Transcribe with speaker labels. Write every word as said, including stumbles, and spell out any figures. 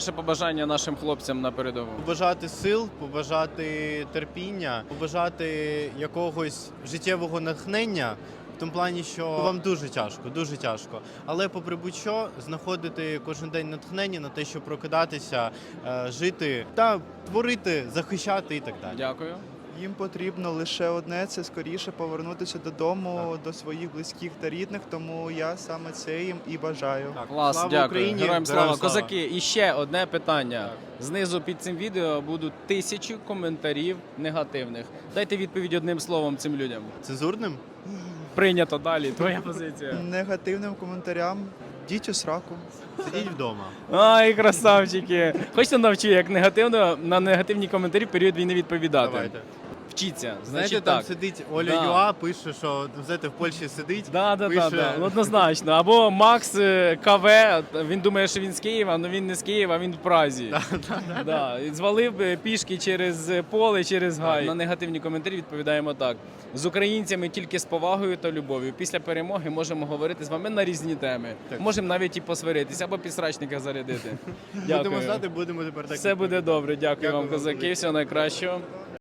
Speaker 1: Ще побажання нашим хлопцям на передову.
Speaker 2: Побажати сил, побажати терпіння, побажати якогось життєвого натхнення. В тому плані, що вам дуже тяжко, дуже тяжко. Але попри будь-що, знаходити кожен день натхнення на те, щоб прокидатися, е, жити та творити, захищати і так далі.
Speaker 1: Дякую.
Speaker 3: Їм потрібно лише одне – це скоріше повернутися додому, до своїх близьких та рідних, тому я саме це їм і бажаю.
Speaker 2: Так,
Speaker 1: Клас,
Speaker 2: слава
Speaker 1: дякую.
Speaker 2: Україні,
Speaker 1: Героям слава.
Speaker 2: героям слава.
Speaker 1: Козаки, і ще одне питання. Знизу під цим відео будуть тисячі коментарів негативних. Дайте відповідь одним словом цим людям.
Speaker 2: Цензурним?
Speaker 1: Прийнято далі. Твоя позиція.
Speaker 3: Негативним коментарям діть у сраку.
Speaker 2: Сидіть вдома.
Speaker 1: Ай, красавчики. Хочете навчу, як негативно на негативні коментарі в період війни відповідати.
Speaker 2: Давайте.
Speaker 1: Вчіться.
Speaker 2: Знаєте,
Speaker 1: Значить
Speaker 2: там
Speaker 1: так.
Speaker 2: сидить Оля
Speaker 1: Да.
Speaker 2: Юа, пише, що знаєте, в Польщі сидить.
Speaker 1: Да, да, да,
Speaker 2: пише...
Speaker 1: да, однозначно. Або Макс е, КВ, він думає, що він з Києва, але він не з Києва, він в Празі. Да, і звалив е, пішки через поле, через гай. На негативні коментарі відповідаємо так. З українцями тільки з повагою та любов'ю. Після перемоги можемо говорити з вами на різні теми.
Speaker 2: Так.
Speaker 1: Можемо навіть і посваритися, або підсрачника зарядити.
Speaker 2: Будемо
Speaker 1: Дякую.
Speaker 2: знати, будемо тепер так.
Speaker 1: Все буде добре. Дякую,
Speaker 2: Дякую
Speaker 1: вам,
Speaker 2: вам
Speaker 1: козаки.
Speaker 2: велике.
Speaker 1: Всього найкращого.